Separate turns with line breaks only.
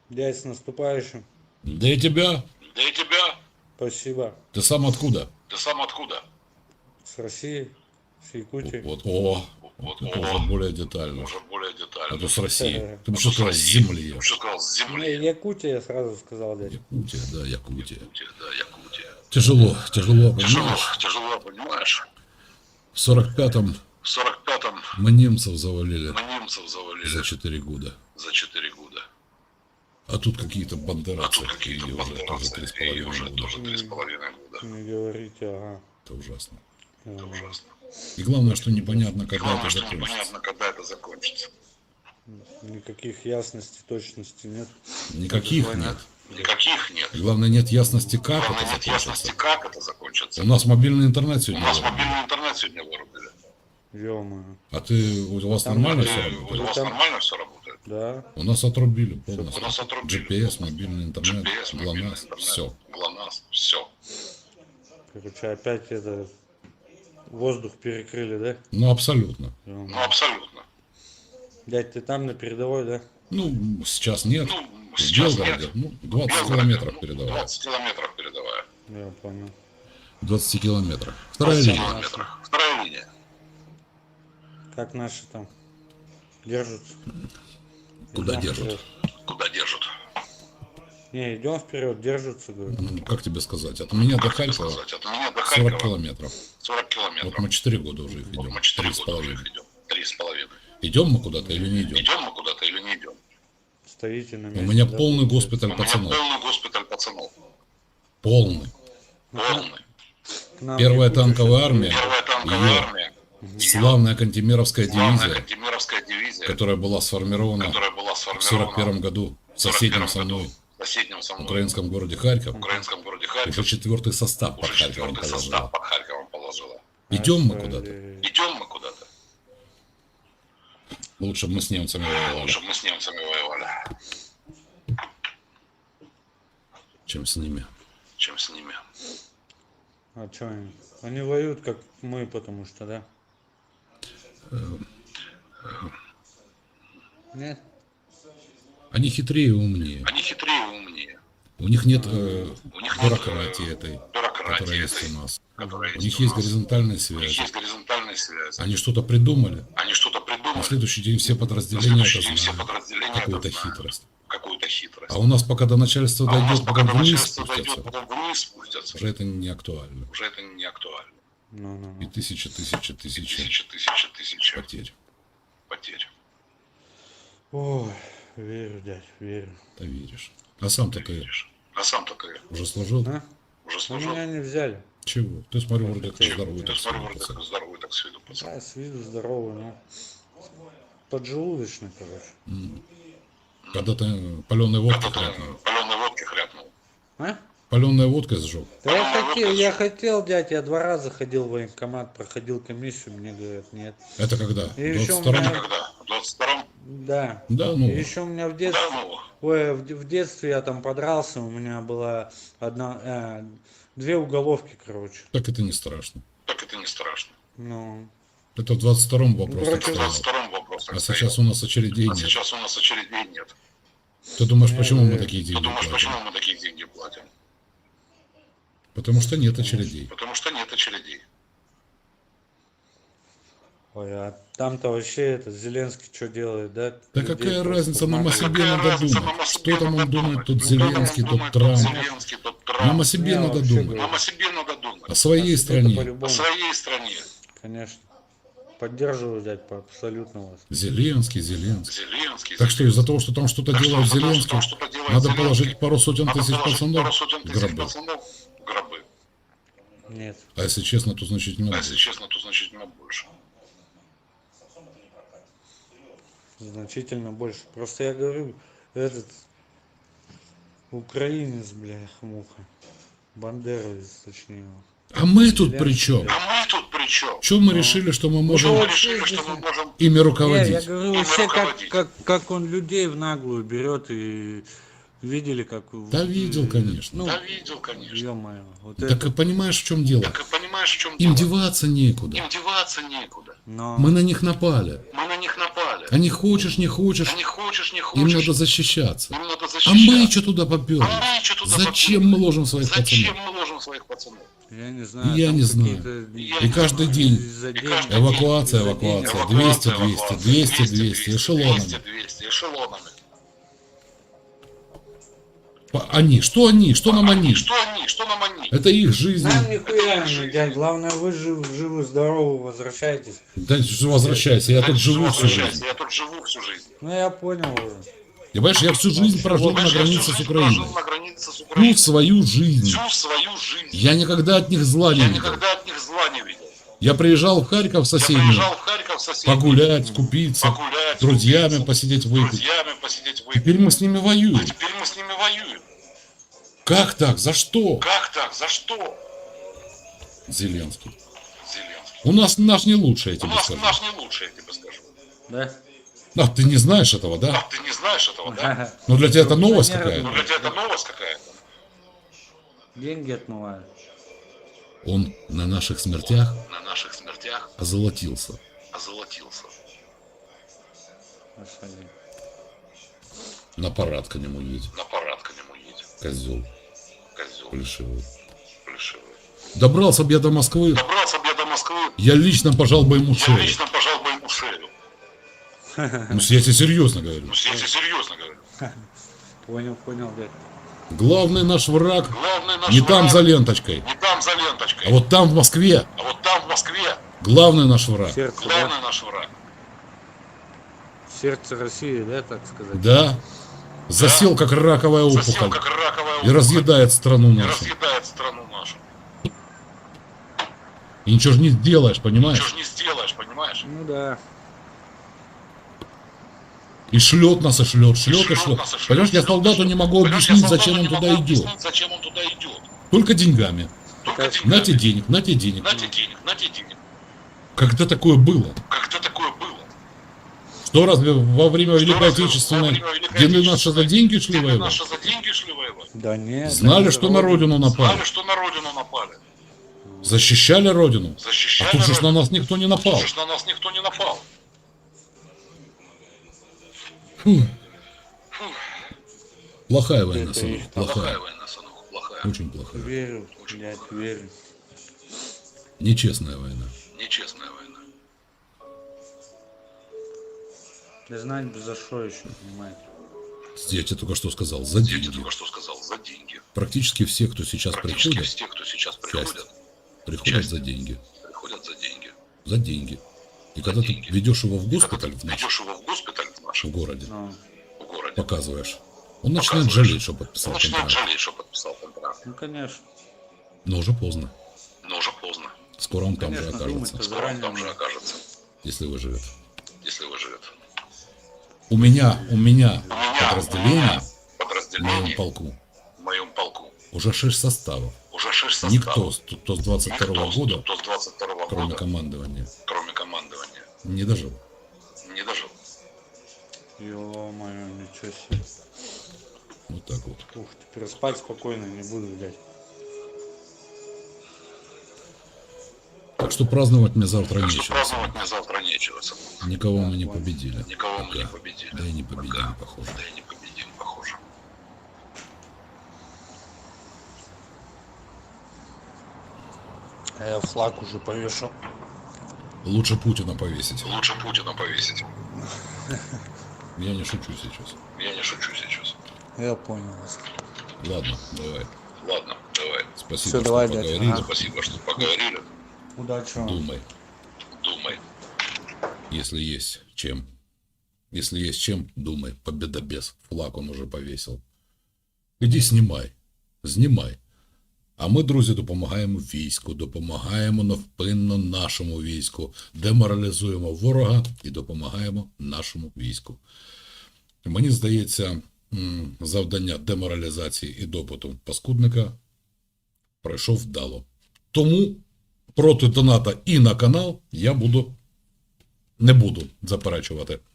Дядь, с наступающим.
Да и тебя.
Да и тебя.
Спасибо.
Ты сам откуда?
Ты сам откуда?
С России, с Якутии.
Вот,
Вот,
это уже более детально.
Уже более детально.
А то с России. Ты бы
А
что
то с
сказал, с
России.
земли.
Ты что сказал, с
Не,
земли?
Якутия, я сразу сказал, дядь.
Якутия, да, Якутия.
Да, Якутия.
Тяжело,
Тяжело,
понимаешь?
тяжело, понимаешь?
В 45-м
В 45-м
мы немцев завалили
мы немцев завалили
за 4 года.
за 4 года.
А тут какие-то
А
бандеровцы,
тут какие-то
и уже тоже
бандеровцы, и уже
3,5 года.
тоже 3,5 года.
Не говорите, ага.
Это ужасно.
Это ужасно.
И главное, что непонятно,
И
когда
главное,
это
что
закончится.
непонятно, когда это закончится.
Никаких ясностей, точности нет.
Никаких
Война.
нет.
Никаких нет.
И главное, нет ясности, как
Главное,
это
нет ясности,
закончится.
как это закончится.
У нас мобильный интернет
У
сегодня
нас
вырубили.
мобильный интернет сегодня вырубили.
Ё-моё.
А у вас
Там
нормально
уже-
все
У
работает?
вас
там-
нормально все работает?
Да.
У нас отрубили
У
полностью.
нас отрубили.
GPS, мобильный интернет,
GPS, мобильный
ГЛОНАСС,
интернет,
все.
ГЛОНАСС, все.
Короче, опять это... Воздух перекрыли, да?
Ну, абсолютно.
Ё-моё.
Ну, абсолютно.
Дядь, ты там на передовой, да?
Ну, сейчас нет.
Ну,
В
сейчас
Белгороде,
нет.
ну, 20
Белгород,
километров
ну,
передавая.
20 километров передавая.
Я понял.
20 километров. Вторая
20
линия.
километров. Вторая линия.
Как наши там? Держатся?
Куда
Идём
держат?
вперед.
Куда держат?
Не, идем вперед, держатся, говорю.
Как тебе сказать? От меня до
Как тебе
Харькова
сказать? От меня до
40
Харькова
километров.
40 километров.
Вот мы 4 года уже их
Вот
идем.
мы 4
3,5.
года уже их идем. 3,5.
Идем мы куда-то или не идем?
Идем мы куда-то или не идем?
Стоите на
У
месте.
меня
да,
полный
получается?
госпиталь
У меня
пацанов.
полный госпиталь пацанов.
Полный.
Полный.
К нам
Первая
Якутия
танковая
щас
армия.
Первая танковая
Её
армия.
Славная Кантемировская
Главная
дивизия,
Кантемировская дивизия,
которая была сформирована
которая была
в
сформирована
41 году в
в
соседнем
41
со мной
в соседнем со мной
украинском городе Харьков.
в украинском городе
Уже
Харьков.
4-й состав под
Уже
Харьковом
4-й состав
положила.
под Харьковом положила.
Идем мы
Ай,
куда-то.
Идем мы куда-то.
Лучше бы мы с немцами воевали,
Лучше бы мы с немцами воевали,
чем с ними.
чем с ними.
А что они? Они воюют, как мы, потому что, да? Нет?
Они хитрее и умнее.
Они хитрее и умнее.
У них нет
У них нет
бюрократии этой, которая
бюрократии
есть
этой,
у нас.
которая
У них
у
есть
нас.
горизонтальная
У них
связь.
есть горизонтальная связь.
Они что-то придумали.
Они что-то
На
придумали.
следующий день все
На
подразделения
следующий
это
день все
знают.
подразделения
Какую-то
это знают.
хитрость.
Какую-то хитрость.
А у нас пока до начальства
А у нас
дойдет,
пока
потом
до
вниз
начальства дойдет,
спустятся,
потом вниз спустятся.
уже это не актуально.
Уже это не актуально.
Ну.
И тысячи
Тысячи
потерь.
потерь.
Ой, верю, дядь, верю.
Ты веришь. А сам-то ты
Видишь? А сам-то ты
уже служил?
А?
уже
Ну,
служил?
меня не взяли.
Чего? Ты смотри, вроде как
Чего?
здоровый.
Ты
так
смотри,
себе,
вроде
пацан.
как здоровый, так с виду пацан.
Да, с виду здоровый, но поджелудочный, короче.
Когда ты паленой водкой
Когда ты
хряпнул.
паленой водки хряпнул.
А?
Паленой водкой сжег.
Да я
По-моему,
хотел,
вот
я
это-
хотел, дядь, я 2 раза ходил в военкомат, проходил комиссию, мне говорят, нет.
Это когда?
И еще у
22-м?
меня-
Когда? В 22-м?
Да.
Да, ну.
И еще у меня в детстве,
Да, ну,
ой, в детстве я там подрался, у меня была 2 уголовки, короче.
Так это не страшно.
так это не страшно.
Ну,
Это в 22-м вопрос
короче,
так
В
стоял.
22-м вопрос так
А
стоял.
сейчас у нас очередей
А
нет.
сейчас у нас очередей нет.
Ты думаешь, почему мы
Нет.
такие
Ты
деньги
думаешь,
платим?
почему мы такие деньги платим?
Потому что нет очередей.
Потому что нет очередей.
ой, а там-то вообще это Зеленский что делает, да?
Да
Людей
какая
просто
разница, нам о
обманывает.
себе
Какая
надо
разница,
думать.
нам о
Что
себе
там он
надо
думает, тот
думать? Что там он
Зеленский, тот
думает,
Трамп.
Зеленский, тот Трамп.
Нам о себе
Не,
надо
вообще
думать.
говорю.
Нам о себе надо думать.
О своей
Это
стране.
по-любому.
О своей стране.
Конечно. Поддерживаю, дядь, абсолютно вас.
Зеленский.
Зеленский.
Так что из-за того, что там что-то
Так что
делает
из-за того, что
Зеленский,
там что-то делает
надо
Зеленский,
положить пару сотен
надо
тысяч
положить
пацанов
пару сотен
в
тысяч
гробы.
пацанов в гробы.
Нет.
А если честно, то значительно
А если
больше.
честно, то значительно больше.
Значительно больше. Просто я говорю, этот украинец, бляха-муха. Бандеровец, точнее.
А мы тут
Зеленский,
при чем?
да.
А мы тут при чем?
Чего мы решили, что мы
Мы
можем
решили, что мы можем
ими
Не, я
руководить?
говорю,
Ими
вообще,
руководить.
как он людей в наглую берет и видели, как...
Да видел, конечно.
Ну,
Да видел, конечно.
ё-моё. Вот
Так
это...
и понимаешь, в чем дело?
Так и понимаешь, в чем
Им
дело?
деваться некуда.
Им деваться некуда.
Но...
Мы на них напали.
Мы на них напали.
А не хочешь, не хочешь,
А не хочешь, не
им
хочешь.
надо защищаться.
Им надо
А
защищаться.
мы что туда поперлись?
А мы что туда
Зачем
попёрлись?
мы ложим своих
Зачем
пацанов?
мы ложим своих пацанов?
Я не знаю.
Я
там
не знаю.
какие-то-
И
И каждый день
из-за денег.
каждый
эвакуация,
Из-за
эвакуация,
денег.
200,
Эвакуация,
200,
эвакуация,
200, 200, эшелонами.
200, эшелонами.
Они, что они, что нам они?
Что они? Что нам они?
Это их жизнь.
Нам нихуя не, дядь. Главное, вы живы, здоровы, возвращайтесь.
Да возвращайся, я тут живу всю жизнь.
Я тут живу всю жизнь.
Ну, я понял уже.
Понимаешь, я всю жизнь прожил на
Понимаешь, я всю
границе с
жизнь
Украиной.
прожил на границе с
Всю
Украиной.
свою жизнь.
Всю свою жизнь.
Я никогда от них зла не
Я
видел.
никогда от них зла не видел.
Я приезжал в Харьков
Я
соседнюю,
приезжал в Харьков соседний.
погулять, купиться,
Погулять,
с друзьями
купиться,
посидеть
с
выпить.
друзьями посидеть выпить.
Теперь мы с ними воюем.
Теперь мы с ними воюем.
Как так? За что?
Как так? За что?
Зеленский.
Зеленский.
У нас наш не лучший, я
У
тебе
нас
скажу.
наш не лучший, я тебе скажу.
Да?
А, ты не знаешь этого, да?
А ты не знаешь этого, да?
Ну для тебя это новость
Ну,
Ну
какая-то.
для тебя это новость какая-то.
Деньги отмывают.
Он на наших смертях
На наших смертях
озолотился.
озолотился.
Господи.
На парад к нему едет.
На парад к нему едет.
Козел
Козел
плешивый.
плешивый.
Добрался бы я до Москвы,
Добрался бы я до Москвы,
я лично пожал бы ему
я
шею.
лично пожал бы ему шею.
Ну, я тебе серьезно говорю.
Ну, я тебе серьезно говорю.
Понял, дядь.
Главный наш враг
Главный наш
не
враг
там за ленточкой,
не там за ленточкой,
а вот там в Москве.
а вот там в Москве
Главный наш враг.
Сердце, да?
главный наш враг.
Сердце России, да, так сказать?
Да. Засел как раковая
Засел
опухоль
как раковая
и
опухоль.
разъедает страну
И
нашу.
разъедает страну нашу.
И ничего же не сделаешь,
Ничего
понимаешь?
ж не сделаешь, понимаешь?
Ну да.
И шлет нас, и шлет, шлет, и
Шлет
шлет.
нас, и шлет,
Понимаешь, я
шлет,
солдату
шлет.
не могу
Понимаешь, я
объяснить,
солдату
зачем он
не
туда
могу
идет.
объяснить, зачем он туда идет.
Только деньгами.
Только
Так,
деньгами.
Нате денег, нате денег.
Нате денег, нате денег.
Когда такое было?
Когда такое было?
Что разве во время Великой
разве во
Отечественной
время Великой
гены наши
Отечественной
за деньги шли
Гены
воевать?
наши за деньги шли воевать.
Да нет.
Знали,
они
что на родину напали.
Знали, что на родину напали.
Защищали родину.
Защищали
А тут же ж на
родину.
нас никто не напал.
Тут же на нас никто не напал.
Фу. Плохая война,
Это
сынок,
их
Плохая
плохая.
война, сынок, плохая.
Очень плохая.
Верю, дядь, верю.
Нечестная война.
Нечестная война.
Да знать бы за что еще, понимаете.
Я тебе только что сказал, за
Я тебе
деньги.
только что сказал, за деньги.
Практически все, кто сейчас
Практически
приходят,
все, кто сейчас
часть,
приходят
приходят за деньги.
приходят за деньги.
За деньги. И когда ты
деньги.
ведешь его в
Когда
госпиталь
ты
в наш,
ведешь его в госпиталь в
в
нашем
городе,
Ну,
в городе,
показываешь, он начинает
Показываешь.
жалеть, что
он
подписал
начинает
контракт.
жалеть, что подписал контракт.
ну конечно.
Но уже поздно.
Но уже поздно.
Скоро он там же
Конечно,
окажется,
думать-то
Скоро он
заранее
там же
надо.
окажется,
если выживет.
если выживет.
У меня
У меня
подразделение в моем
подразделение
полку
в моем полку
уже 6 составов.
уже 6 составов.
Никто, кто с 22
Никто,
года,
кто с 22
кроме
года,
командования,
кроме командования,
не дожил.
не дожил.
Ё-моё, ничего себе.
Вот так вот.
Ух, теперь спать спокойно не буду, блядь.
Так что праздновать мне завтра
Так что
нечего.
праздновать мне завтра нечего.
Никого мы не победили.
Никого мы не
Пока.
победили.
Да и не победим,
Пока.
похоже.
Да и не победим, похоже.
А я флаг уже повешал.
Лучше Путина повесить.
Лучше Путина повесить.
Я не шучу сейчас.
Я не шучу сейчас.
Я понял вас.
Ладно, давай.
Ладно, давай.
Спасибо,
Всё,
что
давай, дядя.
поговорили.
Ага.
Спасибо, что поговорили.
Удачи вам.
Думай,
Думай.
если есть чем. Если есть чем, думай. Победа без. Флаг он уже повесил. Іди знімай. Знімай. А ми, друзі, допомагаємо війську, допомагаємо невпинно нашому війську, деморалізуємо ворога і допомагаємо нашому війську. Мені здається, завдання деморалізації і допиту паскудника пройшов вдало. Тому проти доната і на канал я не буду заперечувати.